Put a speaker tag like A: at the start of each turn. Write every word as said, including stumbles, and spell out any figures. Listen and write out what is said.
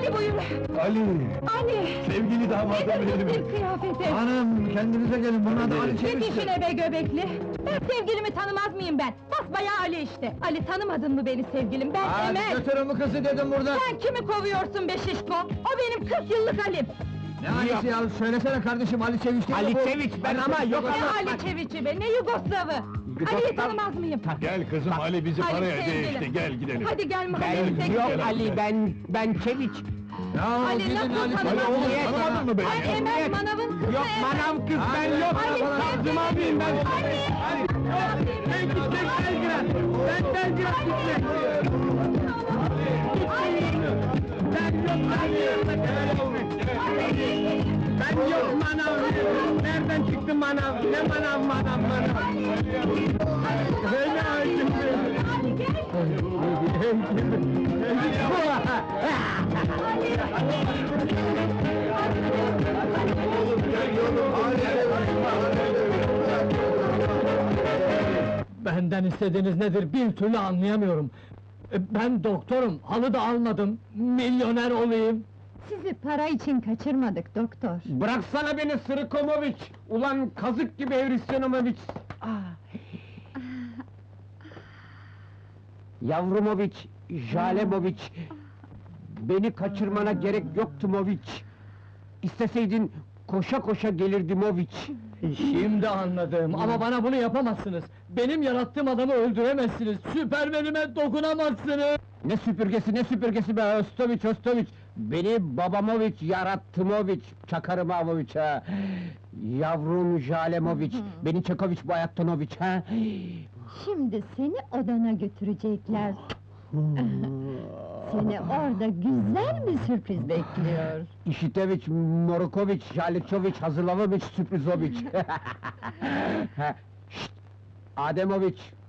A: Ali buyur!
B: Ali!
A: Ali!
B: Sevgili damadım
A: Nedir bu
B: benim!
A: bir kıyafeti?
B: Hanım, kendinize gelin, bunun adı Ali
A: Git
B: Çeviş'tir!
A: işine be göbekli! Ben sevgilimi tanımaz mıyım ben? Basbayağı Ali işte! Ali, tanımadın mı beni sevgilim? Ben
B: Hadi
A: Emel!
B: götürün bu kızı dedim burada!
A: Sen kimi kovuyorsun be şişko? O benim kırk yıllık Ali'm!
B: Ne Ali'si ya, söylesene kardeşim, Ali Çeviş değil mi
C: Ali
B: bu?
C: Çeviç ben
B: Ali
C: ama
B: Çeviş
C: yok
B: yok
A: Ne
C: ama-
A: Ali Çeviç'i be, ne Yugoslav'ı! Ali'yi tanımaz mıyım?
B: Gel kızım, Ali bizi
A: Ali
B: paraya
A: sevgilim.
B: değişti, gel gidelim!
A: Hadi gel mahallemize
C: Ben,
A: gidelim!
C: yok Ali, ben, ben Çeviç!
B: Ya
A: Ali,
B: gidin
A: nasıl
B: Ali,
A: tanımaz
B: Ali oğlum,
A: mısın?
B: tanımadın mı beni
A: Ay
B: ya?
A: Emel, manavın kızı
C: Yok
A: Emel!
C: manav kız ben
B: Hadi,
C: yok!
A: Ali,
C: Kazım abiyim ben!
A: Ali!
C: Ben gidecek Belgrad! Ben Belgrad gidecek! Ben yok Ali! Ben yok manav! Nereden çıktı manav? Ne manav manav manav? Öyle hakim
A: Ali gel!
D: Benden istediğiniz nedir bir türlü anlayamıyorum. E, Ben doktorum, halı da almadım, milyoner olayım.
A: Sizi para için kaçırmadık doktor!
C: Bıraksana beni Sırıkomoviç! Ulan kazık gibi Hristiyanovich! Ah! Yavrumoviç, Jalemoviç! Beni kaçırmana gerek yoktu Moviç! İsteseydin koşa koşa gelirdim Moviç!
D: Şimdi anladım ama bana bunu yapamazsınız. Benim yarattığım adamı öldüremezsiniz, süpermenime dokunamazsınız!
C: Ne süpürgesi ne süpürgesi be Ostoviç Ostoviç! Beni Babamoviç yarattı çakarım Avoviç ha! Yavrum Jalemoviç, beni Çekoviç Bayattonoviç ha!
E: Şimdi seni odana götürecekler. Seni orada güzel bir sürpriz bekliyor.
C: İşiteviç, Morukoviç, Jaliçoviç, Hazırlavoviç, Sürprizoviç! Şşt! Ademoviç,